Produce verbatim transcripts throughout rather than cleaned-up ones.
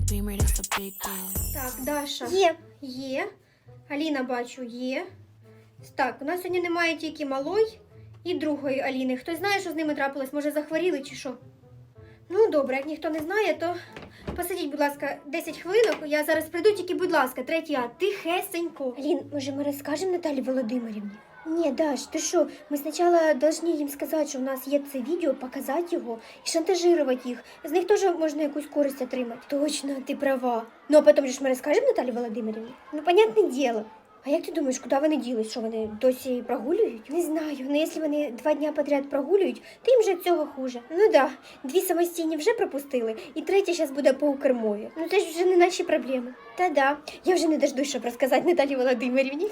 Beamer, that's a big deal. Так, Даша. Є, є. Аліна, бачу, є. Так, у нас сьогодні немає тільки малої і другої Аліни. Хтось знає, що з ними трапилось? Може, захворіли чи що? Ну, добре, як ніхто не знає, то посидіть, будь ласка, десять хвилинок. Я зараз прийду, тільки, будь ласка, третій А, тихесенько. Алін, може, ми розкажемо Наталі Володимирівні? Ні, Даш, ти що, ми спочатку повинні їм сказати, що у нас є це відео, показати його і шантажувати їх. З них теж можна якусь користь отримати. Точно, ти права. Ну, а потім же ж ми розкажемо Наталі Володимирівні? Ну, понятне діло. А як ти думаєш, куди вони ділись? Що вони досі прогулюють? Не знаю, ну якщо вони два дня подряд прогулюють, то їм вже від цього хуже. Ну да, дві самостійні вже пропустили, і третя зараз буде по укрмові. Ну це ж вже не наші проблеми. Та да, я вже не дождусь, щоб розказати Наталі Володимирівні.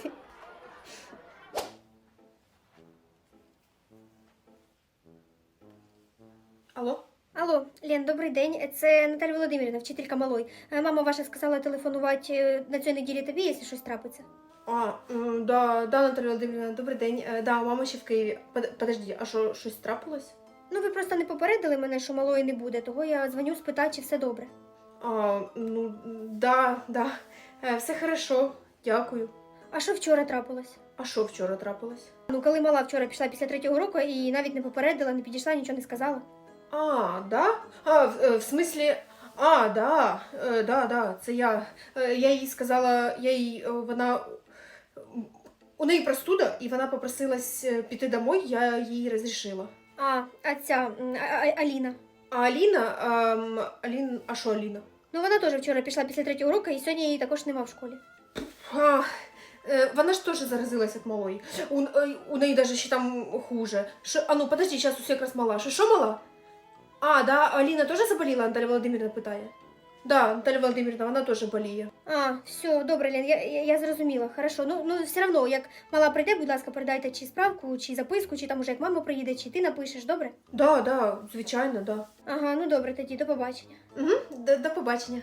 Алло? Алло, Лен, добрий день. Це Наталя Володимирівна, вчителька малої. Е, Мама ваша сказала телефонувати е, на цій неділі тобі, якщо щось трапиться. А, м, да, да, Наталя Володимирівна, добрий день. Е, Да, мама ще в Києві. Под- Подожди, а що, щось трапилось? Ну, ви просто не попередили мене, що малої не буде, того я дзвоню спитати, чи все добре. А, ну, да, да. Е, Все хорошо, дякую. А що вчора трапилось? А що вчора трапилось? Ну, коли мала вчора пішла після третього уроку і навіть не попередила, не підійшла, нічого не сказала. А, да? А, в, е, в смислі, а, да, е, да, да, це я. Е, Я їй сказала, я їй, е, вона, у неї простуда, і вона попросилась е, піти домой, я їй розрішила. А, а ця, м, а, а, Аліна. А Аліна, ем, Алін, а що Аліна? Ну, вона теж вчора пішла після третього уроку, і сьогодні її також нема в школі. А, е, вона ж теж заразилась від малої. У, е, у неї навіть ще там хуже. Шо, а ну, подожди, зараз усе якраз мала. Що, що мала? А, да, Аліна теж заболіла, Наталя Володимирівна питає. Да, Наталя Володимирівна, вона теж боліє. А, все, добре, Лен, я, я, я зрозуміла, хорошо. Ну, ну, все одно, як мала прийде, будь ласка, передайте чи справку, чи записку, чи там уже як мама приїде, чи ти напишеш, добре? Да, да, звичайно, да. Ага, ну добре, тоді, до побачення. Угу, до, до побачення.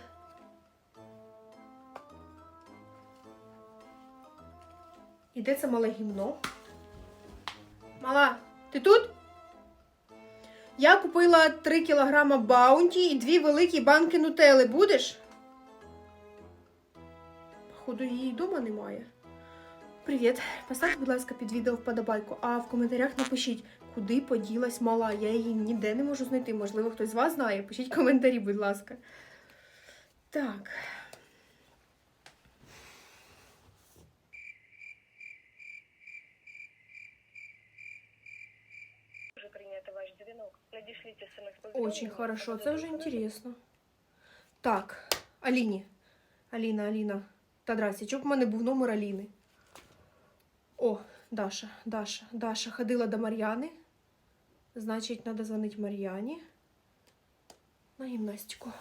І де це мале гімно? Мала, ти тут? Я купила три кілограма баунті і дві великі банки нутели. Будеш? Походу, її вдома немає. Привіт. Поставте, будь ласка, під відео вподобайку, а в коментарях напишіть, куди поділась мала. Я її ніде не можу знайти. Можливо, хтось з вас знає. Пишіть коментарі, будь ласка. Так. Очень хорошо, це вже інтересно. Так, Аліні. Аліна, Аліна. Та здрасте, чого б в мене був номер Аліни? О, Даша, Даша, Даша ходила до Мар'яни. Значить, треба дзвонити Мар'яні на гімнастику.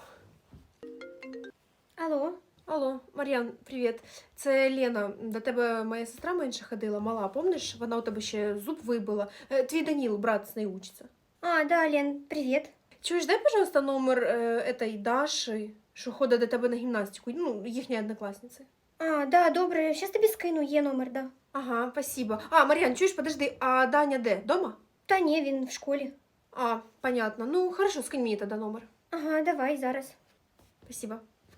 Алло? Алло, Мар'ян, привіт. Це Лена. До тебе моя сестра менше ходила, мала, помниш? Вона у тебе ще зуб вибила. Е, Твій Даніл, брат, з нею учиться. А, да, Лен, привіт. Чуєш, дай, пожалуйста, номер е, этой Даші, що ходить до тебе на гімнастику, ну, їхньої однокласниці. А, да, добре, щас тобі скину, є номер, да. Ага, спасибо. А, Мар'ян, чуєш, подожди, а Даня де? Дома? Та ні, він в школі. А, понятно. Ну, хорошо, скинь мені тоді номер. Ага, давай, зараз. Спасибо.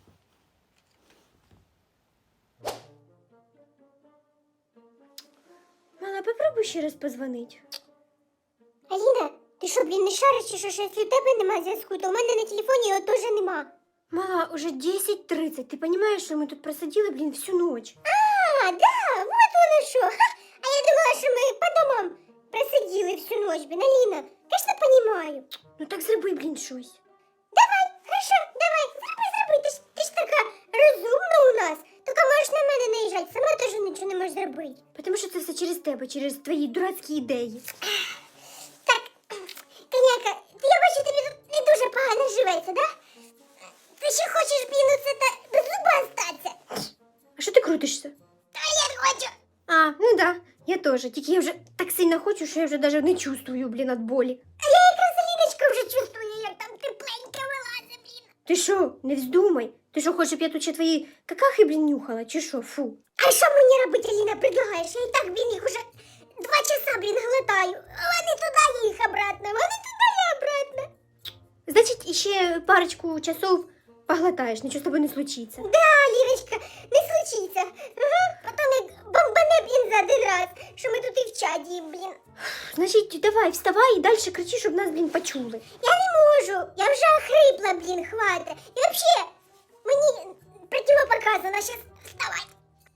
Мала, попробуй ще раз позвонить. Аліна, ти що, блін, не шариш, чи що, що якщо у тебе немає зв'язку, то у мене на телефоні його теж нема. Мала, уже десять тридцать. Ти розумієш, що ми тут просиділи, блін, всю ніч? А, да, вот воно що. Ха, а я думала, що ми по домам просиділи всю ніч, блін, Аліна. Конечно, понимаю. Ну так зроби, блін, щось. Давай, хорошо, давай, зроби, зроби, ти ж, ти ж така розумна у нас. Тільки можеш на мене наїжджати, сама теж нічого не можеш зробити. Тому що це все через тебе, через твої дурацькі ідеї. Так, коняка, я бачу, тобі тут не дуже погано живеться, да? Ти ще хочеш, блін, оце та без зуба остатися? А що ти крутишся? Та я хочу. А, ну да, я теж. Тільки я вже так сильно хочу, що я вже навіть не чувствую, блін, від болі. А я якраз, Аліночка, вже чувствую, як там тепленьке вилазить, блін. Ти що, не вздумай? Ти що, хочеш, щоб я тут ще твої какахи, блін, нюхала, чи що, фу? А що мені робити, Аліна, предлагаєш? Я і так, блін, їх уже два часа, блін, глотаю. Вони туди, я їх обратно, вони туди, я обратно. Значить, іще парочку часов поглотаєш, нічого з тобою не случиться. Да, Ліночка, не случиться. Угу. Потім як бомбане, блін, за один раз, що ми тут і в чаді, блін. Значить, давай, вставай і далі кричи, щоб нас, блін, почули. Я не можу, я вже охрипла, блін, хвата. І взагалі, мені противопоказано, зараз вставай.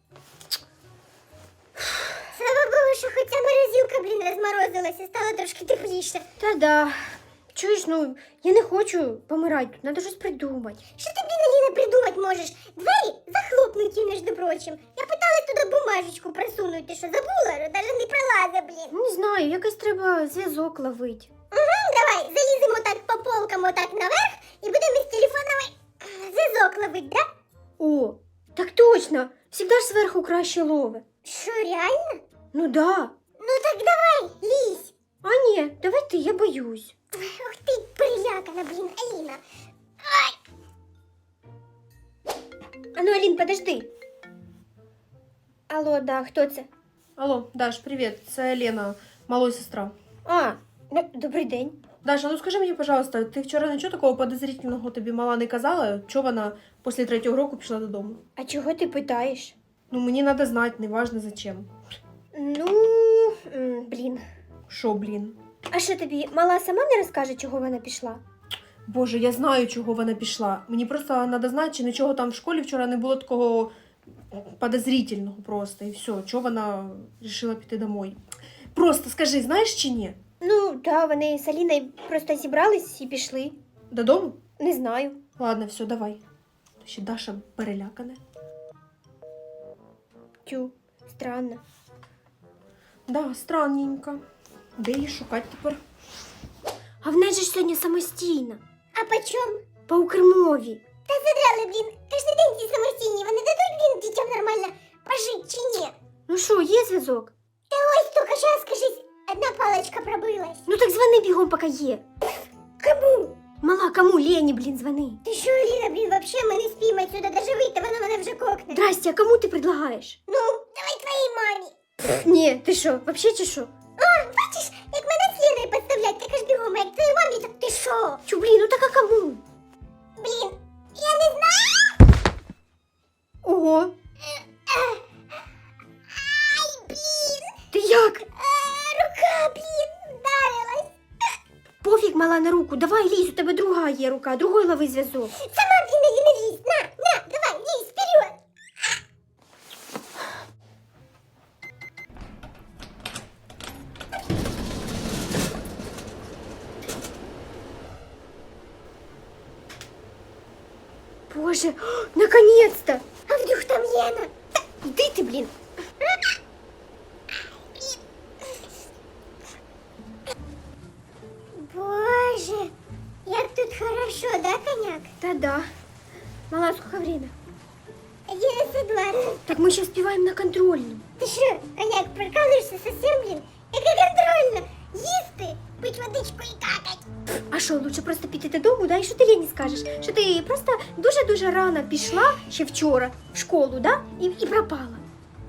Слава Богу, що хоч ця морозилка, блін, розморозилася, стало трошки тепліше. Та-да. Чуєш, ну, я не хочу помирати тут, треба щось придумати. Що ти, блін, Аліна, придумати можеш? Двері захлопнуті, між прочим. Я питалась туди бумажечку просунути, ти що, забула? Навіть не пролазить, блін. Не знаю, якось треба зв'язок ловити. Угу, давай, заліземо так по полкам отак наверх і будемо з телефонами е, зв'язок ловити, да? О, так точно, завжди ж зверху краще лове. Що, реально? Ну да. Ну так давай, лізь. А ні, давай ти, я боюсь. Ух ти, перелякана, блін, Аліна. Ай. А ну, Алін, подожди. Алло, да, хто це? Алло, Даш, привіт, це Лена, малої сестра. А, ну, добрий день. Даша, ну скажи мені, пожалуйста, ти вчора нічого такого подозрительного тобі мала не казала? Чого вона після третього року пішла додому? А чого ти питаєш? Ну, мені треба знати, неважно зачем. Ну, м, блін. Що, блін? А що тобі, мала сама не розкаже, чого вона пішла? Боже, я знаю, чого вона пішла. Мені просто треба знати, чи нічого там в школі вчора не було такого подозрительного просто. І все, чого вона вирішила піти домой. Просто скажи, знаєш чи ні? Ну, да, вони з Аліною просто зібрались і пішли. Додому? Не знаю. Ладно, все, давай. Ще Даша перелякана. Тю, странно. Да, странненько. Де її шукати тепер? А в неї ж сьогодні самостійно. А по чому? По укрмові. Та задрали, блін, кожен день ці самостійні, вони дадуть, блін, дітям нормально пожити чи ні? Ну що, є зв'язок? Та ось тільки що, скажись, одна паличка пробилась. Ну так звони бігом, поки є. Кому? Мала, кому? Лені, блін, звони. Ти що, Аліна, блін, вообще ми не спіємо отсюда, даже вийти, вона мене вже кокне. Здрасте, а кому ти предлагаєш? Ну, давай твоїй мамі. Ні, ти що, вообще чи що? А, бачиш, як мене з Леною підставлять, так аж бігом, а як твоїй мамі, так ти що? Чу, блін, ну так а кому? Блін, я не знаю. Ого, Ай, блін. ти як? А, рука, блін, вдарилась. Пофіг, мала, на руку, давай лізь, у тебе друга є рука, другой лови зв'язок. Сама, блін, Аліна, лізь, на, на, давай, лізь, вперед. Боже, наконец-то! А вдруг там Лена? Іди ти, блін. Боже, як тут хорошо, да, коняк? Та-да. Мала, сколько время? одинадцять двадцять. Так ми ще співаємо на контрольну. Ти що, коняк, прикалуєшся совсем, блін? Яка контрольна? Їсти, пить водичку і какать. А що, лучше просто піти додому, да? І що ти Лені скажеш? Що ти просто дуже-дуже рано пішла ще вчора в школу, да? І, і пропала.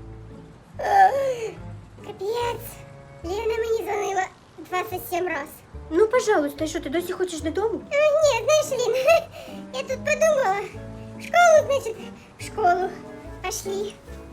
Капець. Лена мені дзвонила двадцять сім раз. Ну, пожалуйста, що ти досі хочеш додому? А, ні, знаєш, Лін, я тут подумала. В школу, значить, в школу. Пошли.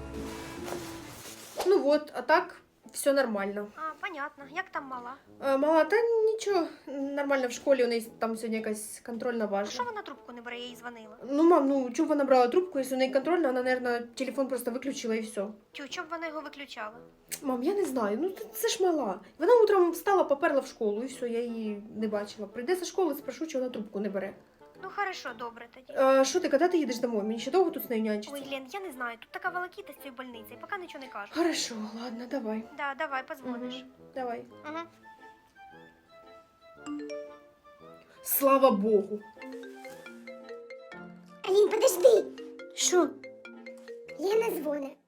Ну от, а так все нормально. А, понятно. Як там мала? А, мала, та нічого, нормально в школі, у неї там сьогодні якась контрольна важна. вона трубку не бере, я їй дзвонила? Ну, мам, ну чого вона брала трубку, якщо у неї контрольна, вона, мабуть, телефон просто виключила і все. Тю, чому вона його виключала? Мам, я не знаю, ну це ж мала. Вона утром встала, поперла в школу і все, я її не бачила. Прийде зі школи, спрошу, чи вона трубку не бере. Ну, хорошо, добре тоді. А що ти, коли ти їдеш домой? Мені ще довго тут з нею нянчиться? Ой, Лен, я не знаю, тут така волокіта з цією больницею, поки нічого не кажу. Хорошо, ладно, давай. Да, давай, позвониш. Мгм, давай. Угу. Слава Богу. Алін, подожди. Що? Лена дзвонить.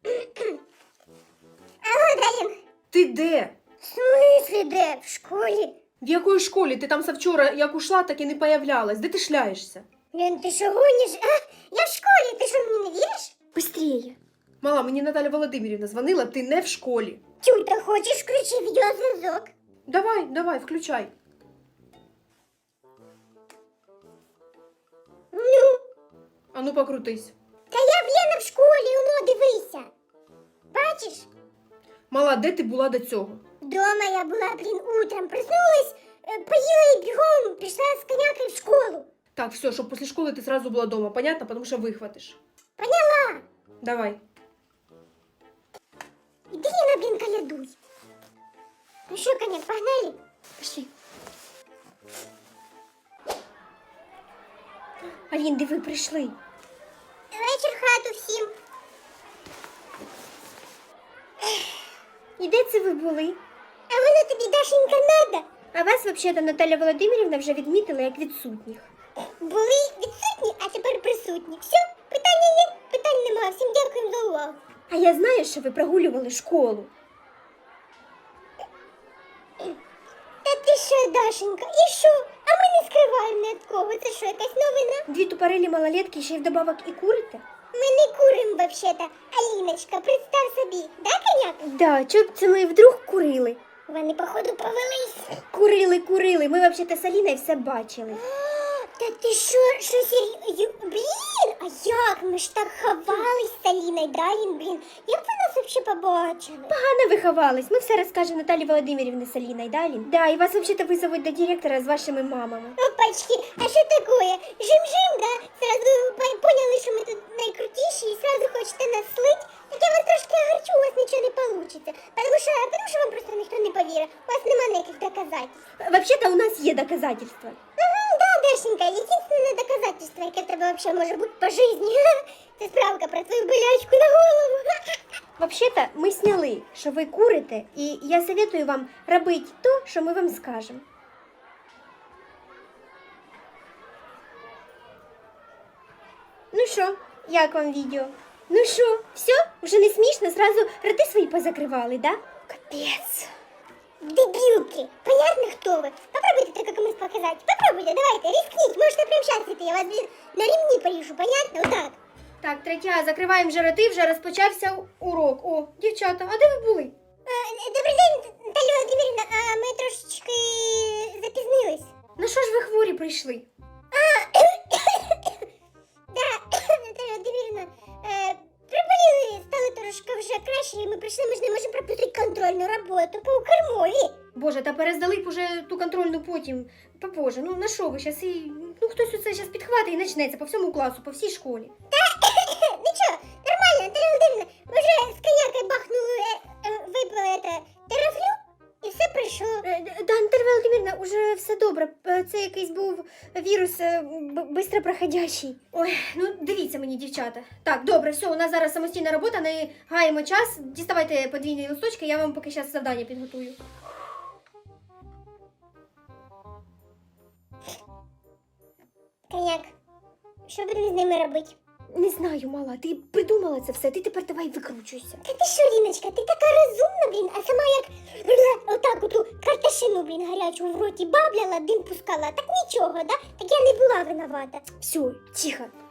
Алло, да, Лен? Ти де? В смислі де? В школі? В якої школі? Ти там завчора, як ушла, так і не появлялась. Де ти шляєшся? Лен, ти що гониш? А? Я в школі, ти що мені не віриш? Быстрее. Мала, мені Наталя Володимирівна дзвонила, ти не в школі. Тю, та хочеш включи відеозв'язок? Давай, давай, включай. Ну, А ну покрутись. Та я, Лена, в школі, воно, дивися. Бачиш? Мала, де ти була до цього? Дома я була, блін, утром проснулась, е, поїла і бігом пішла з конякою в школу. Так, все, щоб після школи ти сразу була дома, понятно? Потому що вихватиш. Поняла? Давай. Іди, Лена, блін, колядуй. Ну що, коняк, погнали? Пішли. Алін, диви, прийшли. Вечір в хату всім. І де це ви були? А воно тобі, Дашенька, надо? А вас, взагалі, Наталя Володимирівна вже відмітила як відсутніх. Були відсутні, а тепер присутні. Все, питання є, питань нема. Всім дякуємо за увагу. А я знаю, що ви прогулювали школу. Та ти що, Дашенька, і що? А ми не скриваємо ні від кого. Це що, якась новина? Дві тупорилі малолетки ще й вдобавок і курите? Ми не куримо, вообще-то. Аліночка, представ собі, да, коняк? Да, чого б це ми вдруг курили? Вони, походу, повелись. Курили, курили. Ми взагалі з Аліною все бачили. Та ти що, що серйозно? Блін, а як? Ми ж так ховались з Аліною, да, Алін, блін? Як ви нас вообще побачили? Погано виховались. Ми все розкажемо Наталі Володимирівні з Аліною, да, Алін? Да, і вас взагалі визовуть до директора з вашими мамами. Опачки, а що такое? Жим-жим, да? Сразу по- поняли, що ми тут найкрутіші і сразу хочете нас слить? Так я вас трошки огорчу, у вас нічого не получится. Потому що, потому що вам просто ніхто не повірить. У вас нема ніяких доказательств. Взагалі-то у нас є доказательства. Ага, да, Дашенька, єдине доказательство, яке в тебе вообще може бути по житті, це справка про твою болячку на голову. Взагалі-то ми сняли, що ви курите, і я советую вам робити то, що ми вам скажемо. Ну що, як вам відео? Ну що, все? Вже не смішно? Зразу роти свої позакривали, да? Капець. Дебилки, понятно, кто вы? Попробуйте только комусь показать. Попробуйте, давайте, рискните. Можете прямо сейчас это, я вас, блин, на ремни повешу, понятно? Вот так. Так, третя, закриваємо вже роти, вже розпочався урок. О, дівчата, а де ви були? Е, Добрий день, Наталя Володимирівна, а ми трошечки запізнились. На що ж ви хворі прийшли? Да, Наталя Володимирівна, е, приболіли, стали трошки вже краще, і ми прийшли, ми ж не можемо пропустити контрольну роботу по кормові. Боже, та перездали б уже ту контрольну потім. Попозже, ну на що ви зараз і... Ну хтось оце зараз підхватить і почнеться по всьому класу, по всій школі. Нічого, нормально, Наталя Володимирівна, ви вже з конякою бахнули, е, е, випили это, терафлю, і все пройшло. Е, Да, Наталя Володимирівна, уже все добре. Е, Це якийсь був вірус е, б- бистро проходящий. Ой, ну дивіться мені, дівчата. Так, добре, все, у нас зараз самостійна робота, не гаємо час. Діставайте подвійні листочки, я вам поки зараз завдання підготую. Коньяк, що будемо з ними робити? Не знаю, мала, ти придумала це все, ти тепер давай викручуйся. Та ти що, Ліночка, ти така розумна, блін, а сама як отак оту карташину, блін, гарячу в роті бабляла, дим пускала, так нічого, да? Так я не була виновата. Все, тихо.